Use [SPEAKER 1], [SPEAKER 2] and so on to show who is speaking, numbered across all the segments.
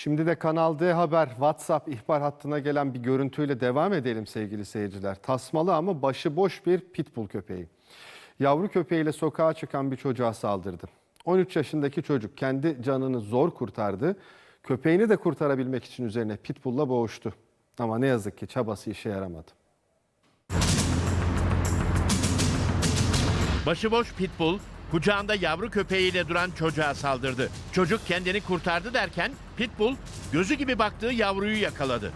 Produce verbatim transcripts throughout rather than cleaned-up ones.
[SPEAKER 1] Şimdi de Kanal D Haber WhatsApp ihbar hattına gelen bir görüntüyle devam edelim sevgili seyirciler. Tasmalı ama başıboş bir pitbull köpeği. Yavru köpeğiyle sokağa çıkan bir çocuğa saldırdı. on üç yaşındaki çocuk kendi canını zor kurtardı. Köpeğini de kurtarabilmek için üzerine pitbull'la boğuştu. Ama ne yazık ki çabası işe yaramadı.
[SPEAKER 2] Başıboş pitbull kucağında yavru köpeğiyle duran çocuğa saldırdı. Çocuk kendini kurtardı derken pitbull gözü gibi baktığı yavruyu yakaladı.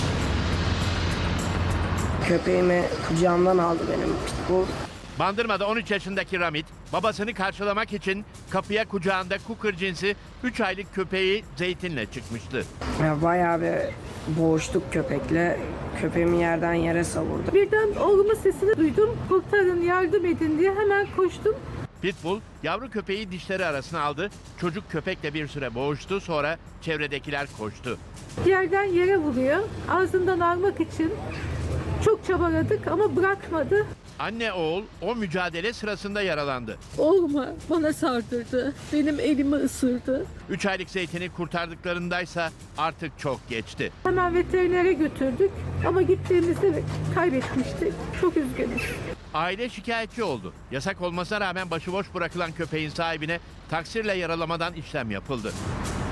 [SPEAKER 3] Köpeğimi kucağımdan aldı benim pitbull.
[SPEAKER 2] Bandırma'da on üç yaşındaki Ramit babasını karşılamak için kapıya kucağında Cooker cinsi üç aylık köpeği Zeytin'le çıkmıştı.
[SPEAKER 3] Ya bayağı bir boğuştuk köpekle. Köpeğimi yerden yere savurdu.
[SPEAKER 4] Birden oğlumun sesini duydum. Kurtarın, yardım edin diye hemen koştum.
[SPEAKER 2] Pitbull yavru köpeği dişleri arasına aldı. Çocuk köpekle bir süre boğuştu, sonra çevredekiler koştu.
[SPEAKER 4] Yerden yere vuruyor. Ağzından almak için çok çabaladık ama bırakmadı.
[SPEAKER 2] Anne oğul o mücadele sırasında yaralandı.
[SPEAKER 4] Oğluma bana sardırdı. Benim elimi ısırdı.
[SPEAKER 2] üç aylık Zeytin'i kurtardıklarındaysa artık çok geçti.
[SPEAKER 4] Hemen veterinere götürdük ama gittiğimizde kaybetmiştik. Çok üzgünüz.
[SPEAKER 2] Aile şikayetçi oldu. Yasak olmasına rağmen başıboş bırakılan köpeğin sahibine taksirle yaralamadan işlem yapıldı.